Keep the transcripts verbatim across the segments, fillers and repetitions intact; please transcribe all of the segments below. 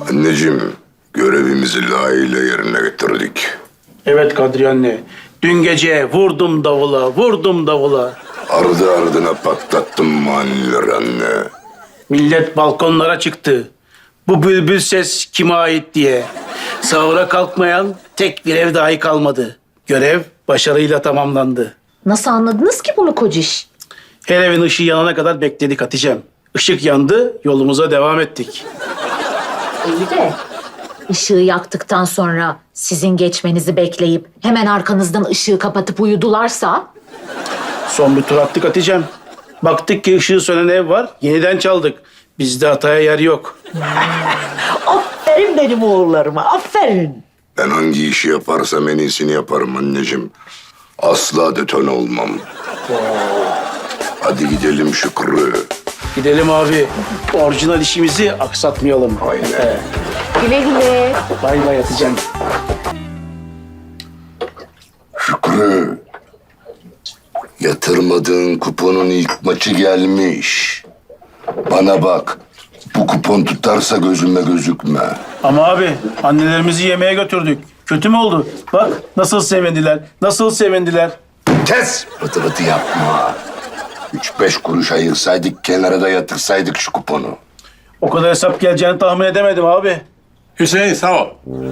Anneciğim, görevimizi layığıyla yerine getirdik. Evet Kadriye anne. Dün gece vurdum davula, vurdum davula. Ardı ardına patlattım manileri anne. Millet balkonlara çıktı. Bu bülbül ses kime ait diye. Sahura kalkmayan tek bir ev dahi kalmadı. Görev başarıyla tamamlandı. Nasıl anladınız ki bunu kociş? Her evin ışığı yanana kadar bekledik Hatice'm. Işık yandı, yolumuza devam ettik. İyi de ışığı yaktıktan sonra sizin geçmenizi bekleyip hemen arkanızdan ışığı kapatıp uyudularsa... Son bir tur attık Hatice'm. Baktık ki ışığı sönen ev var, yeniden çaldık. Bizde hataya yer yok. Aferin benim oğullarıma, aferin. Ben hangi işi yaparsam en iyisini yaparım anneciğim. Asla detone olmam. Hadi gidelim Şükrü. Gidelim abi. Orijinal işimizi aksatmayalım. Aynen. Güle güle. Bay bay Hatice'm. Şükrü. Yatırmadığın kuponun ilk maçı gelmiş. Bana bak. Bu kupon tutarsa gözüme gözükme. Ama abi annelerimizi yemeğe götürdük. Kötü mü oldu? Bak nasıl sevindiler, nasıl sevindiler. Kes! Vıtı vıtı yapma. Üç beş kuruş ayırsaydık, kenara da yatırsaydık şu kuponu. O kadar hesap geleceğini tahmin edemedim abi. Hüseyin sağ ol.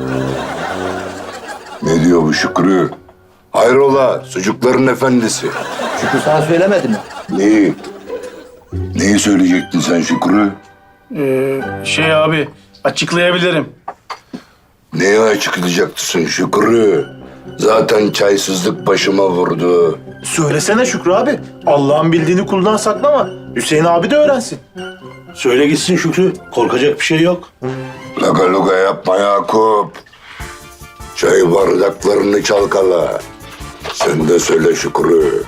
Ne diyor bu Şükrü? Hayrola, sucukların efendisi. Şükrü sana söylemedi mi? Neyi? Neyi söyleyecektin sen Şükrü? Ee, şey abi açıklayabilirim. Neyi açıklayacaksın Şükrü? Zaten çaysızlık başıma vurdu. Söylesene Şükrü abi. Allah'ın bildiğini kuldan saklama. Hüseyin abi de öğrensin. Söyle gitsin Şükrü. Korkacak bir şey yok. Laga luga yapma Yakup. Çay bardaklarını çalkala. Sen de söyle Şükrü.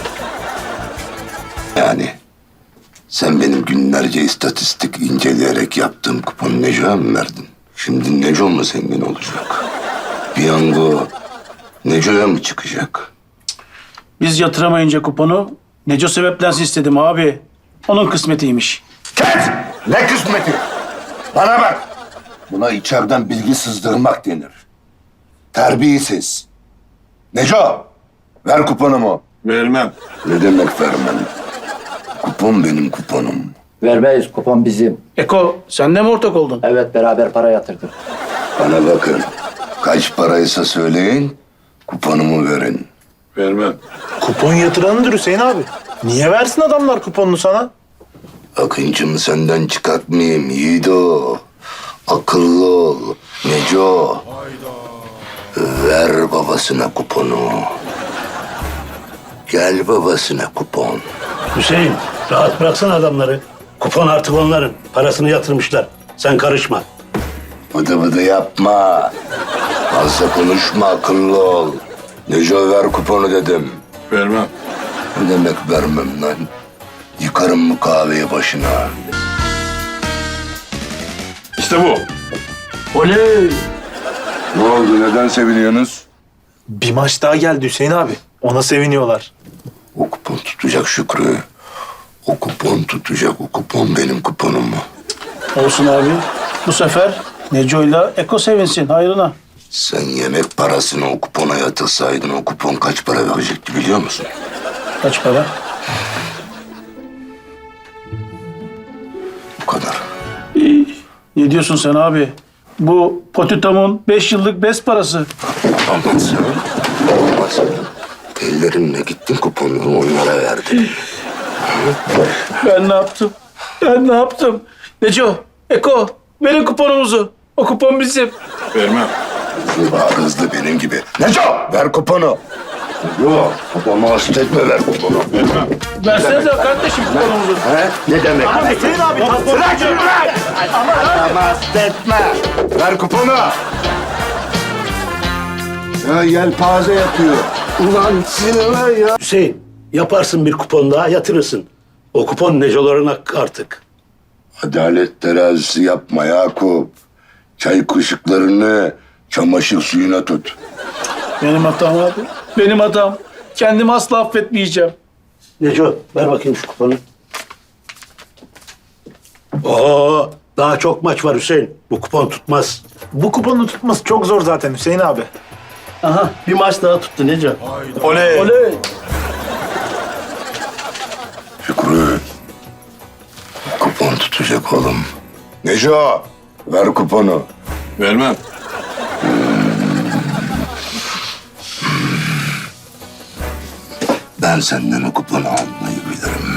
Yani sen benim günlerce istatistik inceleyerek yaptığım kuponu Neco'ya mı verdin? Şimdi Neco mu zengin olacak? Piyango Neco'ya mı çıkacak? Biz yatıramayınca kuponu Neco sebeplensin istedim abi. Onun kısmetiymiş. Kes! Ne kısmeti? Bana bak! Buna içeriden bilgi sızdırmak denir. Terbiyesiz. Neco! Ver kuponumu. Vermem. Ne demek vermem? Kupon benim kuponum. Vermeyiz, kupon bizim. Eko sen de mi ortak oldun? Evet, beraber para yatırdık. Bana bakın. Kaç paraysa söyleyin, kuponumu verin. Vermem. Kupon yatıranıdır Hüseyin abi. Niye versin adamlar kuponunu sana? Akıncımı senden çıkartmayayım Yiğido. Akıllı ol. Neco. Ver babasına kuponu. Gel babasına kupon. Hüseyin, rahat bıraksana adamları. Kupon artık onların. Parasını yatırmışlar. Sen karışma. Vıdı vıdı yapma. Fazla konuşma, akıllı ol. Neco ver kuponu dedim. Vermem. Ne demek vermem lan? Yıkarım bu kahveyi başına. İşte bu. Oley! Ne oldu? Neden seviniyorsunuz? Bir maç daha geldi Hüseyin abi. Ona seviniyorlar. O kupon tutacak Şükrü. O kupon tutacak. O kupon benim kuponum mu? Olsun abi. Bu sefer Neco'yla Eko sevinsin hayrına. Sen yemek parasını o kupona yatırsaydın o kupon kaç para verecekti biliyor musun? Kaç para? Bu kadar. Ne diyorsun sen abi? Bu Potito'mun beş yıllık bes parası. Aman sen. Aman sen. Ellerimle gittin kuponları onlara verdin. Ben ne yaptım? Ben ne yaptım? Neco, Eko, verin kuponumuzu. O kupon bizim. Vermem. Hızlı bağır hızlı benim gibi. Neco ver kuponu. Neco kuponu hasta etme ver kuponu. Vermem. Versenize kardeşim kuponumuzu. He? Ne demek? Ama Hüseyin abi. Bırak şunu bırak! Ama hasta etme. Ver kuponu. Ya yelpaze yapıyor. Ulan sinirler ya. Hüseyin, yaparsın bir kupon daha yatırırsın. O kupon Neco'ların hakkı artık. Adalet terazisi yapma Yakup. Çay kaşıklarını çamaşır suyuna tut. Benim hatam abi. Benim hatam. Kendimi asla affetmeyeceğim. Neco, ver bakayım şu kuponu. Oo, Daha çok maç var Hüseyin. Bu kupon tutmaz. Bu kuponu tutması çok zor zaten Hüseyin abi. Aha bir maç daha tuttu Neco. Oley. Oley. Şükrü. Kupon tutacak oğlum. Neco, ver kuponu. Vermem. Ben senden o kuponu almayı bilirim.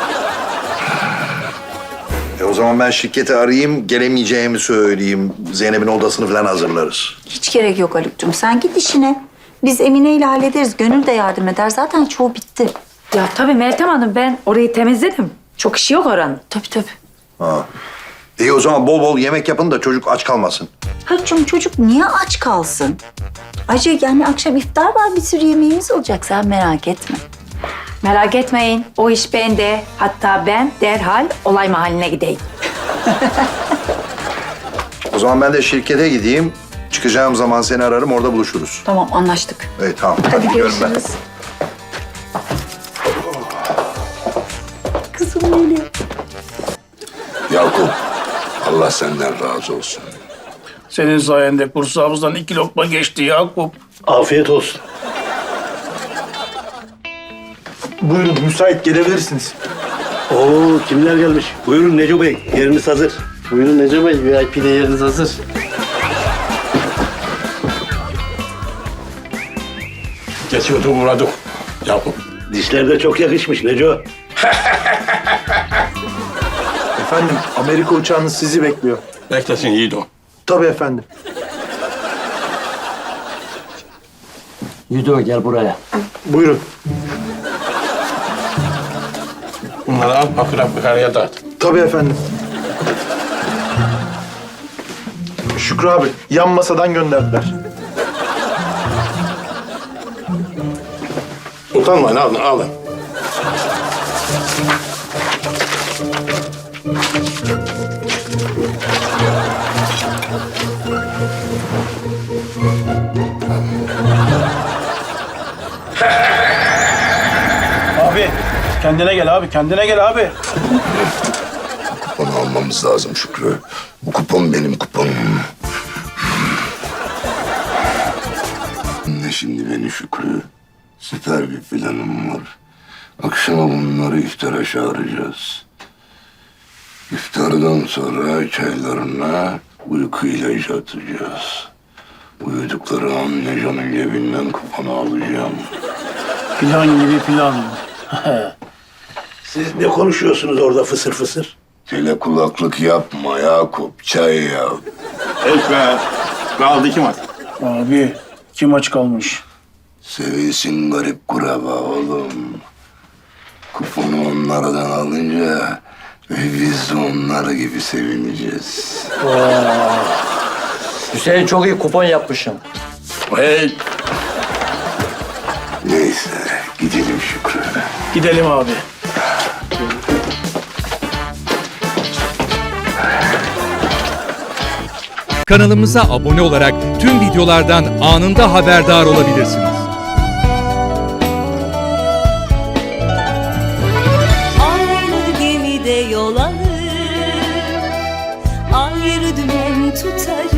E o zaman ben şirketi arayayım, gelemeyeceğimi söyleyeyim. Zeynep'in odasını falan hazırlarız. Hiç gerek yok Haluk'cum. Sen git işine. Biz Emine ile hallederiz. Gönül de yardım eder. Zaten çoğu bitti. Ya tabii Meltem Hanım, ben orayı temizledim. Çok işi yok oranın. Tabii tabii. Ha. İyi o zaman bol bol yemek yapın da çocuk aç kalmasın. Haluk'cum çocuk niye aç kalsın? Ayrıca yani akşam iftar var. Bir sürü yemeğimiz olacak. Sen merak etme. Merak etmeyin, o iş bende. Hatta ben derhal olay mahalline gideyim. O zaman ben de şirkete gideyim. Çıkacağım zaman seni ararım, orada buluşuruz. Tamam anlaştık. Evet tamam. Hadi, Hadi gidiyorum ben. görüşürüz. Kızım geliyor. Yakup, Allah senden razı olsun. Senin sayende kursağımızdan iki lokma geçti Yakup. Afiyet olsun. Buyurun müsait gelebilirsiniz. Oo kimler gelmiş? Buyurun Neco Bey, yeriniz hazır. Buyurun Neco Bey, V I P'de yeriniz hazır. Geçiyordu uğradık. Yakup. Dişler de çok yakışmış Neco. Efendim Amerika uçağınız sizi bekliyor. Beklesin yiğit o. Tabii efendim. Yüdü gel buraya. Buyurun. Bunları al fakir fukaraya dağıt. Tabii efendim. Şükrü abi yan masadan gönderdiler. Utanmayın alın alın. Abi kendine gel abi, kendine gel abi. Kuponu almamız lazım Şükrü. Bu kupon benim kuponum. Ne şimdi beni Şükrü? Süper bir planım var. Akşama bunları iftara çağıracağız. İftardan sonra çaylarına uyku ilacı atacağız. Uyudukları an Neco'nun cebinden kuponu alacağım. Plan gibi plan. Siz ne konuşuyorsunuz orada fısır fısır? Tele kulaklık yapma Yakup, çay yap. Hiç be. Kaldı iki maç. Abi kim aç kalmış? Sevilsin garip kuraba oğlum. Kuponu onlardan alınca biz de onlar gibi sevineceğiz. Hüseyin çok iyi kupon yapmışım. Hey. Neyse gidelim Şükrü. Gidelim abi. Kanalımıza abone olarak tüm videolardan anında haberdar olabilirsiniz. Aynı gemide yol alır, ayrı dümen tutarız.